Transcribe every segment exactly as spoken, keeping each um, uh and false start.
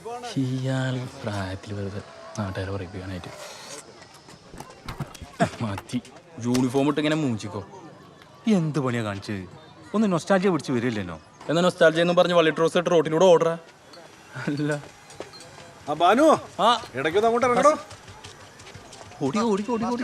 ഇയാൾ പ്രായത്തിൽ വെറുതെ നാട്ടുകാരെ പറയിപ്പിക്കാനായിട്ട് മതി. യൂണിഫോം ഇട്ട് ഇങ്ങനെ മൂച്ചിക്കോ. എന്ത് പണിയാ കാണിച്ചത്? ഒന്ന് നൊസ്റ്റാൾജിയ പിടിച്ച് വരില്ലല്ലോ. എന്നാ നൊസ്റ്റാൾജിയ എന്ന് പറഞ്ഞ് വള്ളി ട്രോസ് ഇട്ട് റോട്ടിലൂടെ ഓർഡറാ. അല്ല ആ ബാനു, ആ ഇടയ്ക്കൊന്ന് അങ്ങോട്ട് ഇറങ്ങണോ? ഓടി ഓടി ഓടി ഓടി.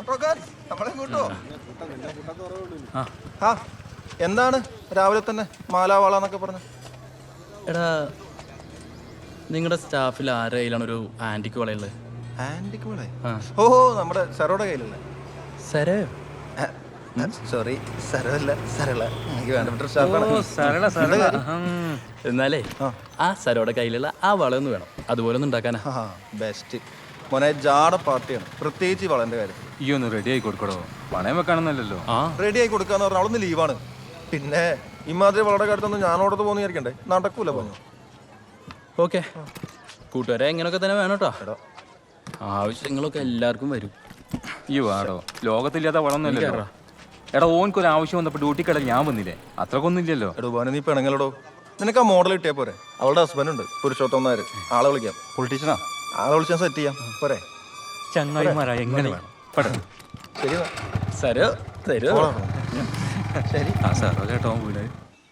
എന്താണ് രാവിലെ തന്നെ മാലാവാള എന്നൊക്കെ പറഞ്ഞു? എടാ, നിങ്ങളുടെ സ്റ്റാഫിൽ ആരുടെ കയ്യിലാണ് ഒരു ആന്റിക്ക് വളയുള്ളത്? ആന്റിക്ക് വള? ആ ഓഹോ, നമ്മുടെ സരോടെ കയ്യിലല്ലേ? സരോ? സോറി, സരല്ല, സരള. എനിക്ക് വേണ്ടപ്പെട്ട സ്റ്റാഫാണ്. സരള സരള. എന്നാലേ ആ സരോടെ കയ്യിലുള്ള ആ വളയൊന്ന് വേണം. അതുപോലെ ഒന്ന് ഉണ്ടാക്കാനാ. ബെസ്റ്റ് മോനെ, ജാട പാർട്ടിയാണ്, പ്രത്യേകിച്ച് വളന്റെ കാര്യത്തിൽ. ഈ ഒന്ന് റെഡി ആയി കൊടുക്കടോ. പണയം വെക്കാണെന്നല്ലോ. ആ റെഡി ആയി കൊടുക്കാന്ന് പറഞ്ഞാൽ അവളൊന്ന് ലീവാണ്. പിന്നെ ഇമാതിരി വളയുടെ കാര്യത്തൊന്നും ഞാനോടത്ത് പോകുന്ന വിചാരിക്കണ്ടേ? നടക്കൂല പറഞ്ഞു. ഓക്കെ, കൂട്ടുകാരെ എങ്ങനെയൊക്കെ തന്നെ വേണം കേട്ടോ. ആവശ്യങ്ങളൊക്കെ എല്ലാവർക്കും വരും. ഈ വാടോ, ലോകത്തില്ലാത്ത വളമൊന്നുമല്ലോ. എടാ, ഓൻക്കൊരു ആവശ്യം വന്നപ്പോൾ ഡ്യൂട്ടി കടയിൽ ഞാൻ വന്നില്ലേ? അത്രക്കൊന്നും ഇല്ലല്ലോ. എടോ ബാനു, നീ പെണങ്ങളോടോ. നിനക്ക് ആ മോഡൽ കിട്ടിയാ പോരെ? അവളുടെ ഹസ്ബൻഡ് ഉണ്ട്, പുരുഷോത്തം നായർ. ആളെ വിളിക്കാം. പൊളിറ്റീഷ്യനാ? ആളെ വിളിച്ചാൽ സെറ്റ് ചെയ്യാം പോരെ? ചങ്ങായിമാരാ എങ്ങനെ വേണം? ശരി സരോ തരോ? ശരി. ആ സാറോ കേട്ടോ വീട്.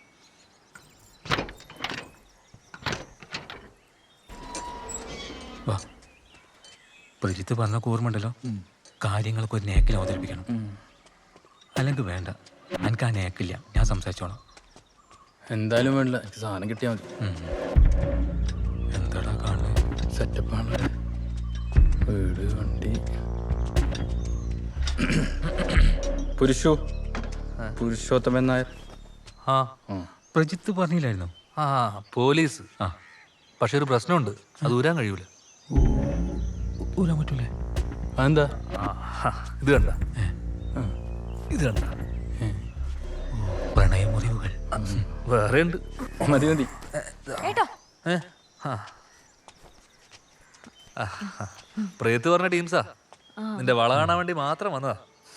വാ, പരിത്ത് പറഞ്ഞ ഓർമ്മണ്ടല്ലോ, കാര്യങ്ങളൊക്കെ ഒരു നേക്കിൽ അവതരിപ്പിക്കണം. അല്ലെങ്കിൽ വേണ്ട, എനിക്ക് ആ നേക്കില്ല, ഞാൻ സംസാരിച്ചോളാം. എന്തായാലും വേണ്ടില്ല, എനിക്ക് സാധനം കിട്ടിയാൽ മതി. എന്താടാ കാണുന്നത്? സെറ്റപ്പാണ്. വീട്, വണ്ടി. പുരുഷു പുരുഷോത്തമൻ നായർ. ആ, പ്രജിത്ത് പറഞ്ഞില്ലായിരുന്നു? ആ പോലീസ്. ആ, പക്ഷെ ഒരു പ്രശ്നമുണ്ട്, അത് ഊരാൻ കഴിയൂല. ഊരാൻ പറ്റൂലേ? അതെന്താ? ഇത് കണ്ട, ഇത് കണ്ട പ്രണയമുറിവുകൾ വേറെ ഉണ്ട്. മതി മതി. പ്രേത്ത് പറഞ്ഞ ടീംസാ, നിന്റെ വള കാണാൻ വേണ്ടി മാത്രം വന്നതാ.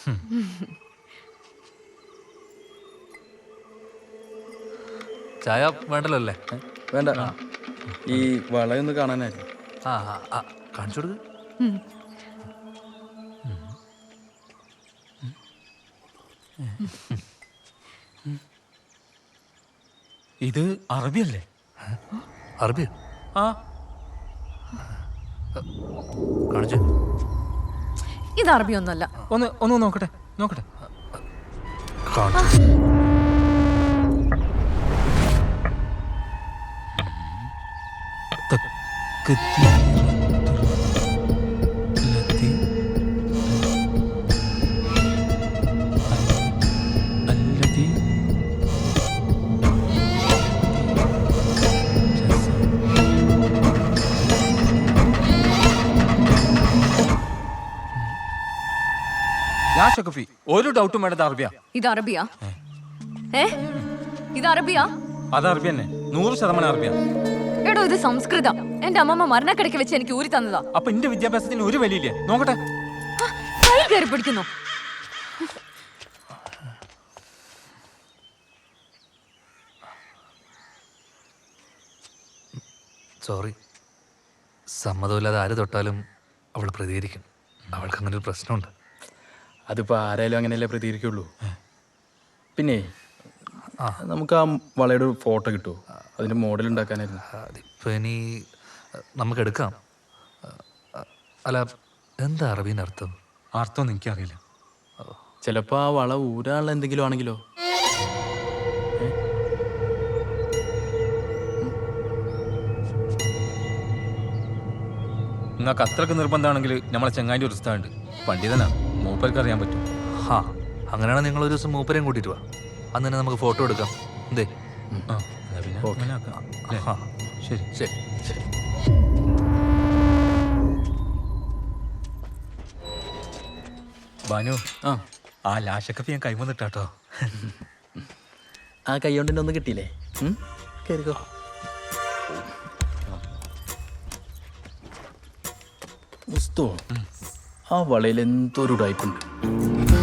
ചായ വേണ്ടല്ലോ അല്ലേ? വേണ്ട, ഈ വളയൊന്ന് കാണാനായിരുന്നു. ആ ആ കാണിച്ചു കൊടുക്ക്. ഇത് അറബിയല്ലേ? അറബി? ആ, കാണിച്ചു. ഇത് അറബി ഒന്നല്ല. ഒന്ന് ഒന്ന് നോക്കട്ടെ നോക്കട്ടെ. കാണിച്ചു. ഒരു ഡൗട്ടും വേണ്ടത് അറബിയാ. ഇത് അറബിയാ? ഏ ഇത് അറബിയാ? അത് അറബി തന്നെ, നൂറ് ശതമാനം അറബിയാ. എടോ, ഇത് സംസ്കൃതം. എന്റെ അമ്മമ്മ മരണക്കിടയ്ക്ക് വെച്ച് എനിക്ക് ഊരി തന്നതാ. അപ്പൊ എന്റെ വിദ്യാഭ്യാസത്തിന് ഒരു വലിയില്ലേ? നോക്കട്ടെ. കൈ കയറി പിടിക്കുന്നു. സോറി, സമ്മതമില്ലാതെ ആര് തൊട്ടാലും അവൾ പ്രതികരിക്കും. അവൾക്ക് അങ്ങനെ ഒരു പ്രശ്നമുണ്ട്. അതിപ്പോൾ ആരായാലും അങ്ങനെയല്ലേ പ്രതികരിക്കുള്ളൂ. പിന്നെ നമുക്ക് ആ വളയുടെ ഒരു ഫോട്ടോ കിട്ടുമോ? അതിൻ്റെ മോഡൽ ഉണ്ടാക്കാനായിരുന്നു. അതിപ്പോൾ ഇനി നമുക്ക് എടുക്കാം. അല്ല, എന്താ അറബീൻ്റെ അർത്ഥം? അർത്ഥമൊന്നും എനിക്കറിയില്ല. ചിലപ്പോൾ ആ വള ഊരാനുള്ള എന്തെങ്കിലും ആണെങ്കിലോ? നിങ്ങൾക്ക് അത്രക്ക് നിർബന്ധമാണെങ്കിൽ നമ്മളെ ചങ്ങാൻ്റെ ഒരു സ്ഥലമുണ്ട്, പണ്ഡിതനാ, മൂപ്പർക്ക് അറിയാൻ പറ്റും. ഹാ, അങ്ങനെയാണെങ്കിൽ നിങ്ങൾ ഒരു ദിവസം മൂപ്പരെയും കൂട്ടിയിട്ട് വാ. അന്ന് തന്നെ നമുക്ക് ഫോട്ടോ എടുക്കാം. എന്തേ? ആ, പിന്നെ അങ്ങനെ ആക്കാം. അല്ലേ? ആ ശരി ശരി ശരി. ബാനു, ആ ആ ലാശക്കപ്പി ഞാൻ കൈവന്നിട്ടാട്ടോ. ആ കൈ കൊണ്ടിൻ്റെ ഒന്ന് കിട്ടിയില്ലേ? കയറിക്കോ. മുസ്തോ, ആ വളയിൽ എന്തോ ഒരു ടൈപ്പുണ്ട്.